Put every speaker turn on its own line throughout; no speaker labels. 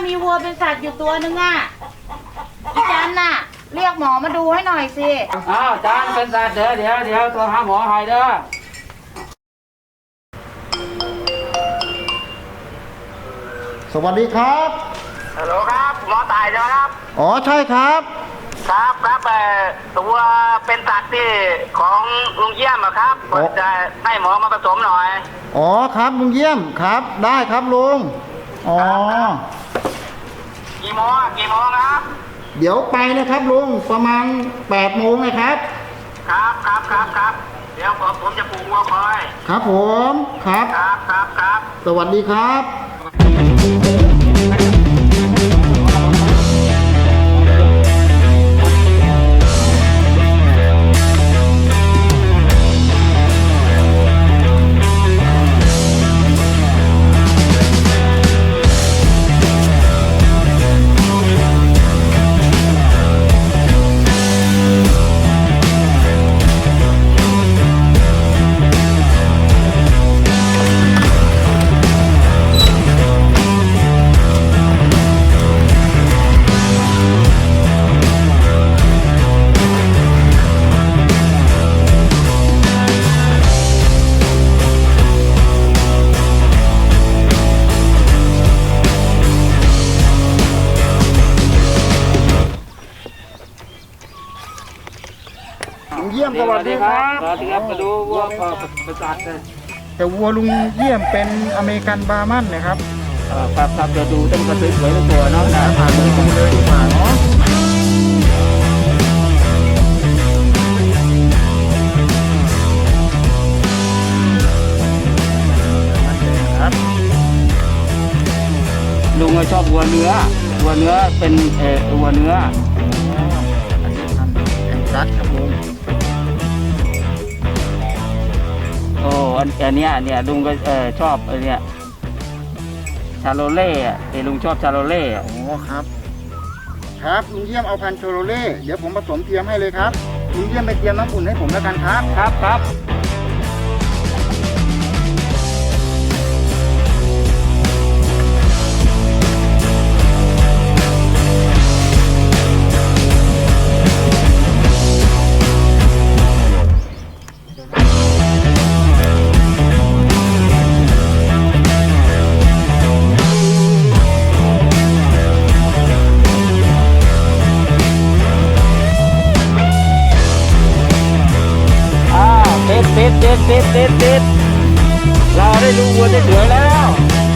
มีวัวเป็นสัตว์อยู่ตัวนึงอ่ะอีจันน่ะเรียกหมอมาดูให้หน่อยสิ
อ้าวจานเป็นสัตว์เดี๋ยวตัวหาหมอให้เด้อ
สวัสดีครับ
ฮัลโหลครับหมอตายใช่ไหมครับ
อ๋อใช่ครับ
ครับตัวเป็นสัตว์ที่ของลุงเยี่ยมครับจะให้หมอมาผสมหน่อย
อ๋อครับลุงเยี่ยมครับได้ครับลุงอ๋อ
กี่โมงครับ
เดี๋ยวไปนะครับลุงประมาณ8 โมงนะครับ
ครับเดี๋ยวผมจะปลูกวัวคอย
ครับผมครับสวัสดีครับเยี่ยมสวัสดีครับ
สวัสดีครับมาดูวัวประสาทเลย
แต่วัวลุงเยี่ยมเป็นอเมริกันบาร์มันนะครับ
ครับเดี๋ยวดูต้องกระสวยๆตัวเนาะ
ผ่านเลยดีกว่าเนาะ
ลุงชอบวัวเนื้อเป็นวัวเนื้อ
อันนี้ทำแอนซัสครับลุง
โอ้อันเนี้ยลุงก็ชอบอันเนี้ยชาโลเล่ลุงชอบชาโลเล่
อ๋อครับลุงเยี่ยมเอาพันโชโลเล่เดี๋ยวผมผสมเทียมให้เลยครับลุงเยี่ยมไปเตรียมน้ำอุ่นให้ผมแล้วกันครับ
ครับติดเราได้ดูวัวได้เหลือแล้ว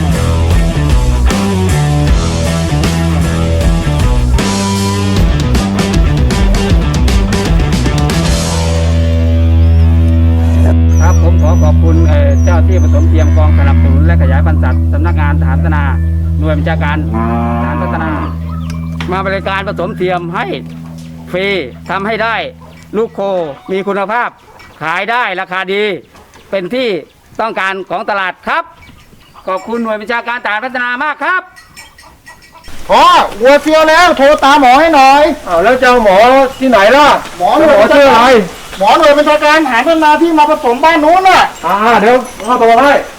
ครับผมขอบคุณเจ้าที่ผสมเทียมกองสนับสนุนและขยายพันธุ์สัตว์สำนักงานทหารพัฒนาหน่วยบัญชาการทหารพัฒนามาบริการผสมเทียมให้ฟรีทำให้ได้ลูกโคมีคุณภาพขายได้ราคาดีเป็นที่ต้องการของตลาดครับขอบคุณหน่วยบัญชาการทหารพัฒนามากครับ
พ่อวัวเฟียวแล้วโทรตามหมอให้หน่อย
แล้วเจ้าหมอที่ไหนล่ะ
หมอชื่ออะไรหมอหน่วยบัญชาการทหารพัฒนาที่มาผสมบ้านนู้นน่ะ
เดี๋ยวเข้าตัวให้